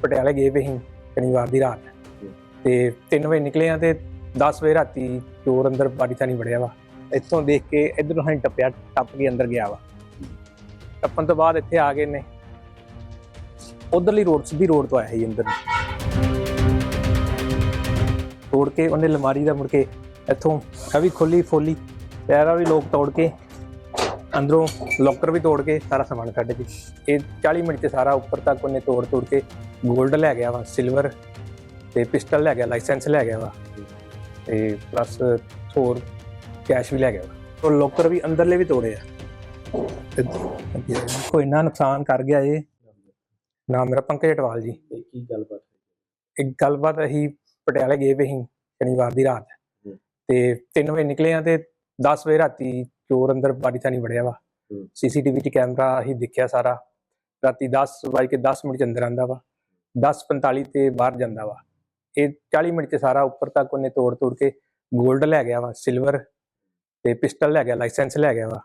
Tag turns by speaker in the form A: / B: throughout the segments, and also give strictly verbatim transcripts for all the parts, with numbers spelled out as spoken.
A: ਪਟਿਆਲੇ ਗਏ ਵੇ ਸੀ ਸ਼ਨੀਵਾਰ ਦੀ ਰਾਤ ਤੇ ਤਿੰਨ ਵਜੇ ਨਿਕਲੇ ਆ ਤੇ ਦਸ ਵਜੇ ਰਾਤੀ ਚੋਰ ਅੰਦਰ ਬਾਰੀ ਥਾਣੀ ਵੜਿਆ ਵਾ। ਇੱਥੋਂ ਦੇਖ ਕੇ ਇੱਧਰੋਂ ਹਾਂ ਟੱਪਿਆ, ਟੱਪ ਕੇ ਅੰਦਰ ਗਿਆ ਵਾ। ਟੱਪਣ ਤੋਂ ਬਾਅਦ ਇੱਥੇ ਆ ਗਏ ਨੇ, ਉਧਰਲੀ ਰੋਡ ਸਿੱਧੀ ਰੋਡ ਤੋਂ ਆਇਆ ਸੀ ਅੰਦਰ ਤੋੜ ਕੇ ਉਹਨੇ ਅਲਮਾਰੀ ਦਾ ਮੁੜ ਕੇ ਇੱਥੋਂ ਆ ਵੀ ਖੋਲੀ ਫੋਲੀ ਪੈਰਾ ਵੀ ਲੋਕ ਤੋੜ ਕੇ ਅੰਦਰੋਂ ਲੋਕਰ ਵੀ ਤੋੜ ਕੇ ਸਾਰਾ ਸਮਾਨ ਕੱਢ ਕੇ ਇਹ ਚਾਲੀ ਮਿੰਟ 'ਚ ਸਾਰਾ ਉੱਪਰ ਤੱਕ ਉਹਨੇ ਤੋੜ ਤੋੜ ਕੇ ਗੋਲਡ ਲੈ ਗਿਆ ਵਾ, ਸਿਲਵਰ ਤੇ ਪਿਸਟਲ ਲੈ ਗਿਆ, ਲਾਇਸੈਂਸ ਲੈ ਗਿਆ ਵਾ ਤੇ ਪਲੱਸ ਹੋਰ ਕੈਸ਼ ਵੀ ਲੈ ਗਿਆ ਵਾ। ਉਹ ਲੋਕਰ ਵੀ ਅੰਦਰਲੇ ਵੀ ਤੋੜੇ ਆ। ਕੋਈ ਇੰਨਾ ਨੁਕਸਾਨ ਕਰ ਗਿਆ ਇਹ। ਨਾਮ ਮੇਰਾ ਪੰਕਜ ਅਟਵਾਲ ਜੀ।
B: ਕੀ ਗੱਲਬਾਤ?
A: ਇੱਕ ਗੱਲਬਾਤ ਅਸੀਂ ਪਟਿਆਲੇ ਗਏ ਵੇ ਸੀ ਸ਼ਨੀਵਾਰ ਦੀ ਰਾਤ ਤੇ ਤਿੰਨ ਵਜੇ ਨਿਕਲੇ ਆ ਤੇ ਦਸ ਵਜੇ ਰਾਤੀ ਚੋਰ ਅੰਦਰ ਬਾਰੀ ਥਾਣੀ ਵੜਿਆ ਵਾ। ਸੀਸੀਟੀਵੀ 'ਚ ਕੈਮਰਾ ਅਸੀਂ ਦੇਖਿਆ ਸਾਰਾ। ਰਾਤੀ ਦਸ ਵੱਜ ਕੇ ਦਸ ਮਿੰਟ 'ਚ ਅੰਦਰ ਆਉਂਦਾ ਵਾ, ਦਸ ਪੰਤਾਲੀ ਤੇ ਬਾਹਰ ਜਾਂਦਾ ਵਾ। ਇਹ ਚਾਲੀ ਮਿੰਟ 'ਚ ਸਾਰਾ ਉੱਪਰ ਤੱਕ ਉਹਨੇ ਤੋੜ ਤੋੜ ਕੇ ਗੋਲਡ ਲੈ ਗਿਆ ਵਾ, ਸਿਲਵਰ ਤੇ ਪਿਸਟਲ ਲੈ ਗਿਆ, ਲਾਇਸੈਂਸ ਲੈ ਗਿਆ ਵਾ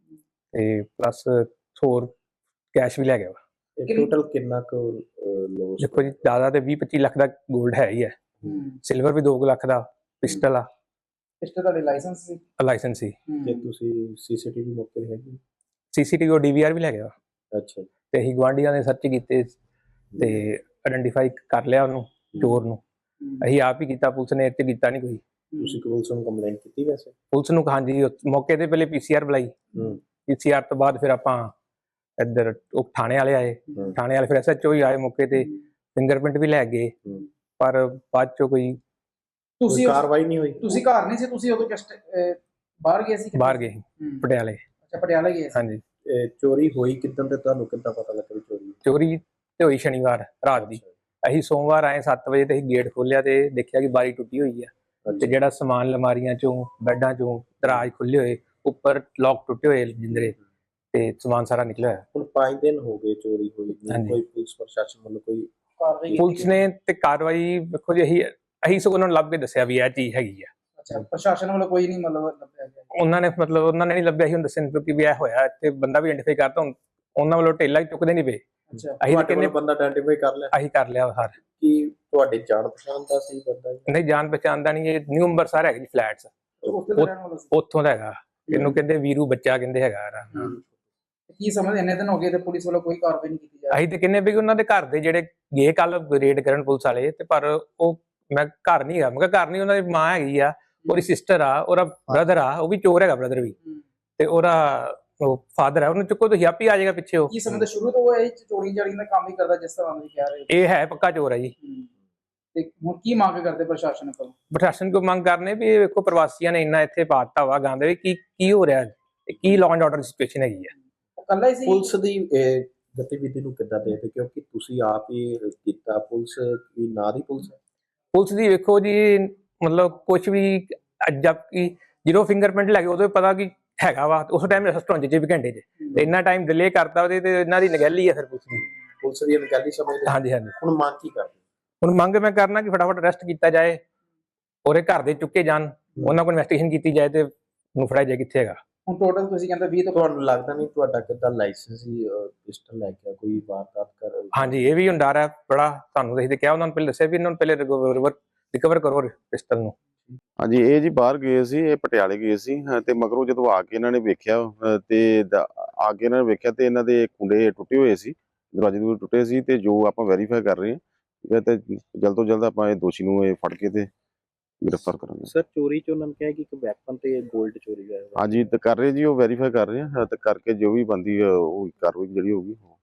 A: ਤੇ ਪਲੱਸ ਹੋਰ ਕੈਸ਼ ਵੀ ਲੈ ਗਿਆ ਵਾ।
B: ਟੋਟਲ ਕਿੰਨਾ ਕੁ ਲੋਸ?
A: ਦੇਖੋ ਜੀ ਜ਼ਿਆਦਾ ਤੇ ਵੀਹ ਪੱਚੀ ਲੱਖ ਦਾ ਗੋਲਡ ਹੈ ਹੀ ਹੈ, ਸਿਲਵਰ ਵੀ ਦੋ ਲੱਖ ਦਾ, ਪਿਸਟਲ ਆ,
C: ਪਿਸਟਲ ਦਾ ਲਾਇਸੈਂਸ ਸੀ
A: ਲਾਇਸੈਂਸ ਸੀ।
B: ਤੇ ਤੁਸੀਂ ਸੀਸੀਟੀਵੀ ਮੌਕੇ ਤੇ ਹੈਗੀ?
A: ਸੀਸੀਟੀਵੀ ਡੀਵੀਆਰ ਵੀ ਲੈ ਗਿਆ
B: ਅੱਛਾ।
A: ਤੇ ਅਸੀਂ ਗੁਆਂਢੀਆਂ ਨੇ ਸਰਚ ਕੀਤੇ ਤੇ ਆਇਡੈਂਟੀਫਾਈ ਕਰ ਲਿਆ ਉਹਨੂੰ, ਚੋਰ ਨੂੰ। ਅਸੀਂ ਆਪ ਹੀ ਕੀਤਾ, ਪੁਲਿਸ ਨੇ ਇੱਥੇ ਕੀਤਾ ਨਹੀਂ ਕੋਈ।
B: ਤੁਸੀਂ ਪੁਲਿਸ ਨੂੰ ਕੰਪਲੇਂਟ ਕੀਤੀ? ਵੈਸੇ
A: ਪੁਲਿਸ ਨੂੰ ਹਾਂਜੀ ਮੌਕੇ ਤੇ ਪਹਿਲੇ ਪੀਸੀਆਰ ਬੁਲਾਈ, ਪੀਸੀਆਰ ਤੋਂ ਬਾਅਦ ਫਿਰ ਆਪਾਂ ਇੱਧਰ ਉਹ ਥਾਣੇ ਵਾਲੇ ਆਏ, ਥਾਣੇ ਵਾਲੇ ਫਿਰ ਐਸਐਚਓ ਹੀ ਆਏ ਮੌਕੇ ਤੇ, ਫਿੰਗਰਪ੍ਰਿੰਟ ਵੀ ਲੈ ਗਏ ਪਰ ਬਾਅਦ ਚੋਂ ਕੋਈ
C: ਤੁਸੀਂ
B: ਕਾਰਵਾਈ ਨਹੀਂ ਹੋਈ।
C: ਤੁਸੀਂ ਘਰ ਨਹੀਂ ਸੀ, ਤੁਸੀਂ ਉਦੋਂ ਜਸਟ ਬਾਹਰ ਗਏ ਸੀ?
A: ਬਾਹਰ ਗਏ ਪਟਿਆਲੇ।
C: ਅੱਛਾ, ਪਟਿਆਲੇ ਗਏ ਸੀ।
A: ਹਾਂਜੀ।
B: ਚੋਰੀ ਹੋਈ ਕਿੱਦਾਂ ਤੇ ਤੁਹਾਨੂੰ ਕਿੱਦਾਂ ਪਤਾ ਲੱਗਾ ਚੋਰੀ?
A: ਚੋਰੀ ਤੇ ਹੋਈ ਸ਼ਨੀਵਾਰ ਰਾਤ ਦੀ। ਅਸੀਂ ਸੋਮਵਾਰ ਆਏ ਸੱਤ ਵਜੇ ਤੇ ਅਸੀਂ ਗੇਟ ਖੋਲਿਆ ਤੇ ਦੇਖਿਆ ਕਿ ਬਾਰੀ ਟੁੱਟੀ ਹੋਈ ਆ ਤੇ ਜਿਹੜਾ ਸਮਾਨ ਅਲਮਾਰੀਆਂ ਚੋਂ, ਬੈੱਡਾਂ ਚੋਂ, ਦਰਾਜ ਖੁੱਲੇ ਹੋਏ, ਉੱਪਰ ਲੋਕ ਟੁੱਟੇ ਹੋਏ ਜਿੰਦਰੇ ਤੇ ਸਮਾਨ ਸਾਰਾ ਨਿਕਲਿਆ ਹੋਇਆ।
B: ਹੁਣ ਪੰਜ ਦਿਨ ਹੋ ਗਏ ਚੋਰੀ ਹੋਈ, ਕੋਈ ਪੁਲਿਸ ਪ੍ਰਸ਼ਾਸਨ ਵੱਲੋਂ ਕੋਈ
C: ਕਾਰਵਾਈ?
A: ਪੁਲਿਸ ਨੇ ਤੇ ਕਾਰਵਾਈ ਵੇਖੋ ਜੀ ਅਸੀਂ ਅਸੀਂ ਸਗੋਂ ਉਹਨਾਂ ਨੂੰ ਲੱਭ ਕੇ ਦੱਸਿਆ ਵੀ ਇਹ ਚੀਜ਼ ਹੈਗੀ ਆ।
C: ਅੱਛਾ, ਪ੍ਰਸ਼ਾਸਨ ਵੱਲੋਂ ਕੋਈ ਨਹੀਂ ਮਤਲਬ ਲੱਭਿਆ ਗਿਆ?
A: ਉਹਨਾਂ ਨੇ ਮਤਲਬ ਉਹਨਾਂ ਨੇ ਨਹੀਂ ਲੱਭਿਆ ਸੀ, ਹੁਣ ਦੱਸਿਆ ਕਿਉਂਕਿ ਵੀ ਇਹ ਹੋਇਆ ਤੇ ਬੰਦਾ ਵੀ ਆਇਡੈਂਟੀਫਾਈ ਕਰਤਾ। ਉਹਨਾਂ ਵੱਲੋਂ ਢੇਲਾ ਹੀ ਚੁੱਕਦੇ ਨਹੀਂ ਪਏ।
C: ਅੱਛਾ,
A: ਅਸੀਂ ਕਿੰਨੇ
B: ਬੰਦਾ ਆਇਡੈਂਟੀਫਾਈ ਕਰ ਲਿਆ?
A: ਅਸੀਂ ਕਰ ਲਿਆ ਹਰ।
B: ਕੀ ਤੁਹਾਡੇ ਜਾਣ ਪਛਾਣ ਦਾ ਸੀ ਬੰਦਾ?
A: ਨਹੀਂ, ਜਾਣ ਪਛਾਣ ਦਾ ਨਹੀਂ। ਇਹ ਨਿਊ ਅੰਬਰਸਰ ਹੈਗਾ ਜੀ ਫਲੈਟਸ, ਉੱਥੋਂ ਦਾ ਹੈਗਾ। ਇਹਨੂੰ ਕਹਿੰਦੇ ਵੀਰੂ ਬੱਚਾ ਕਹਿੰਦੇ ਹੈਗਾ।
C: ਕੀ ਸਮਝ ਇੰਨੇ ਦਿਨ ਹੋ ਗਏ ਤੇ ਪੁਲਿਸ ਵੱਲੋਂ ਕੋਈ ਕਾਰਵਾਈ ਨਹੀਂ ਕੀਤੀ ਜਾ ਰਹੀ?
A: ਅਸੀਂ ਤੇ ਕਹਿੰਦੇ ਵੀ ਉਹਨਾਂ ਦੇ ਘਰ ਦੇ ਜਿਹੜੇ ਗਏ ਕੱਲ ਰੇਡ ਕਰਨ ਪੁਲਿਸ ਵਾਲੇ ਤੇ ਪਰ ਉਹ ਮੈਂ ਘਰ ਨਹੀਂ ਹੈਗਾ। ਮੈਂ ਕਿਹਾ ਘਰ ਨਹੀਂ, ਉਹਨਾਂ ਦੀ ਮਾਂ ਹੈਗੀ ਆ, ਉਹਦੀ ਸਿਸਟਰ ਆ, ਉਹਦਾ ਬ੍ਰਦਰ ਆ, ਉਹ ਵੀ ਚੋਰ ਹੈਗਾ ਬ੍ਰਦਰ ਵੀ, ਤੇ ਉਹਦਾ ਉਹ ਫਾਦਰ ਹੈ। ਉਹਨੂੰ ਚੁੱਕੋ ਤੁਸੀਂ ਆਪ ਹੀ ਆ ਜਾਏਗਾ ਪਿੱਛੇ। ਉਹ
C: ਕੀ ਸਮਝਦੇ ਸ਼ੁਰੂ ਤੋਂ ਇਹ ਚੋਰੀ ਜਾਰੀ ਦਾ ਕੰਮ ਹੀ ਕਰਦਾ ਜਿਸ ਤਰ੍ਹਾਂ ਤੁਸੀਂ ਕਹਿ ਰਹੇ ਹੋ?
A: ਇਹ ਹੈ ਪੱਕਾ ਚੋਰ ਹੈ ਜੀ।
C: ਤੇ ਹੁਣ ਕੀ ਮੰਗ ਕਰਦੇ ਪ੍ਰਸ਼ਾਸਨ ਕੋਲ?
A: ਪ੍ਰਸ਼ਾਸਨ ਕੋਲ ਮੰਗ ਕਰਨੇ ਵੀ ਇਹ ਵੇਖੋ ਪ੍ਰਵਾਸੀਆਂ ਨੇ ਇੰਨਾ ਇੱਥੇ ਪਾਤਾ ਵਾ ਗਾਂਦੇ ਵੀ ਕੀ ਕੀ ਹੋ ਰਿਹਾ, ਕੀ ਲਾਅ ਐਂਡ ਆਰਡਰ ਦੀ ਸਿਚੁਏਸ਼ਨ ਹੈਗੀ ਆ।
C: ਕੱਲਾ ਹੀ ਸੀ?
B: ਪੁਲਿਸ ਦੀ ਗਤੀਵਿਧੀ ਨੂੰ ਕਿੱਦਾਂ ਦੇਖਦੇ ਕਿਉਂਕਿ ਤੁਸੀਂ ਆਪ ਹੀ ਕੀਤਾ? ਪੁਲਿਸ ਦੀ ਨਾਂ ਦੀ ਪੁਲਿਸ ਹੈ?
A: ਪੁਲਿਸ ਦੀ ਵੇਖੋ ਜੀ ਮਤਲਬ ਕੁਝ ਵੀ ਜਦ ਕਿ ਜਦੋਂ ਫਿੰਗਰਪ੍ਰਿੰਟ ਲੈ ਗਏ ਉਦੋਂ ਪਤਾ ਕਿ ਹੈਗਾ ਵਾ, ਉਸ ਟਾਈਮ ਰੈਸਟੋਰੈਂਟ ਚ ਵੀ ਘੰਟੇ ਚ ਤੇ ਇੰਨਾ ਟਾਈਮ ਡਿਲੇ ਕਰਤਾ ਉਹਦੇ ਤੇ ਇਹਨਾਂ ਦੀ ਨਗਹਿਲੀ ਆ ਫਿਰ ਪੁਲਿਸ ਦੀ।
B: ਪੁਲਿਸ ਦੀ ਨਗਹਿਲੀ ਸਮਝਦੇ?
A: ਹਾਂਜੀ ਹਾਂਜੀ।
B: ਹੁਣ ਮੰਗ ਕੀ ਕਰਦੇ?
A: ਹੁਣ ਮੰਗ ਮੈਂ ਕਰਨਾ ਕਿ ਫਟਾਫਟ ਅਰੈਸਟ ਕੀਤਾ ਜਾਏ, ਉਹਦੇ ਘਰ ਦੇ ਚੁੱਕੇ ਜਾਣ, ਉਹਨਾਂ ਕੋਲ ਇਨਵੈਸਟੀਗੇਸ਼ਨ ਕੀਤੀ ਜਾਏ ਤੇ ਉਹਨੂੰ ਫੜਾਇਆ ਜਾਏ ਕਿੱਥੇ ਹੈਗਾ।
C: ਹੁਣ ਟੋਟਲ ਤੁਸੀਂ ਕਹਿੰਦੇ ਵੀਹ ਤੋਂ
B: ਤੁਹਾਨੂੰ ਲੱਗਦਾ ਨਹੀਂ ਤੁਹਾਡਾ ਕਿੱਦਾਂ ਲਾਇਸੈਂਸ ਹੀ ਪਿਸਟਲ ਲੈ ਕੇ ਕੋਈ ਵਾਰਦਾਤ ਕਰ?
A: ਹਾਂਜੀ, ਇਹ ਵੀ ਹੁਣ ਡਰ ਹੈ ਬੜਾ। ਤੁਹਾਨੂੰ ਅਸੀਂ ਤੇ ਕਿਹਾ, ਉਹਨਾਂ ਨੂੰ ਪਹਿਲੇ ਦੱਸਿਆ ਵੀ ਇਹਨਾਂ ਨੂੰ ਪਹਿਲੇ ਰਿਕਵਰ ਕਰੋ ਪਿਸਟਲ ਨੂੰ।
D: ਹਾਂਜੀ, ਇਹ ਜੀ ਬਾਹਰ ਗਏ ਸੀ, ਇਹ ਪਟਿਆਲੇ ਗਏ ਸੀ ਤੇ ਮਗਰੋਂ ਜਦੋਂ ਆ ਕੇ ਇਹਨਾਂ ਨੇ ਵੇਖਿਆ ਤੇ ਆ ਕੇ ਇਹਨਾਂ ਨੇ ਵੇਖਿਆ ਤੇ ਇਹਨਾਂ ਦੇ ਕੁੰਡੇ ਟੁੱਟੇ ਹੋਏ ਸੀ, ਦਰਵਾਜ਼ੇ ਦੇ ਟੁੱਟੇ ਸੀ ਤੇ ਜੋ ਆਪਾਂ ਵੈਰੀਫਾਈ ਕਰ ਰਹੇ ਹਾਂ ਠੀਕ ਹੈ ਤੇ ਜਲਦ ਤੋਂ ਜਲਦ ਆਪਾਂ ਇਹ ਦੋਸ਼ੀ ਨੂੰ ਇਹ ਫੜ ਕੇ ਤੇ ਗ੍ਰਿਫਤਾਰ ਕਰਾਂਗੇ।
B: ਸਰ, ਚੋਰੀ ਚ ਉਹਨਾਂ ਨੇ ਕਿਹਾ ਕਿ ਇੱਕ ਵੈਪਨ ਤੇ ਗੋਲਡ ਚੋਰੀ ਹੋਇਆ?
D: ਹਾਂਜੀ, ਤੇ ਕਰ ਰਹੇ ਜੀ, ਉਹ ਵੈਰੀਫਾਈ ਕਰ ਰਹੇ ਹਾਂ ਤੇ ਕਰਕੇ ਜੋ ਵੀ ਬੰਦੀ ਉਹ ਕਾਰਵਾਈ ਜਿਹੜੀ ਹੋਊਗੀ।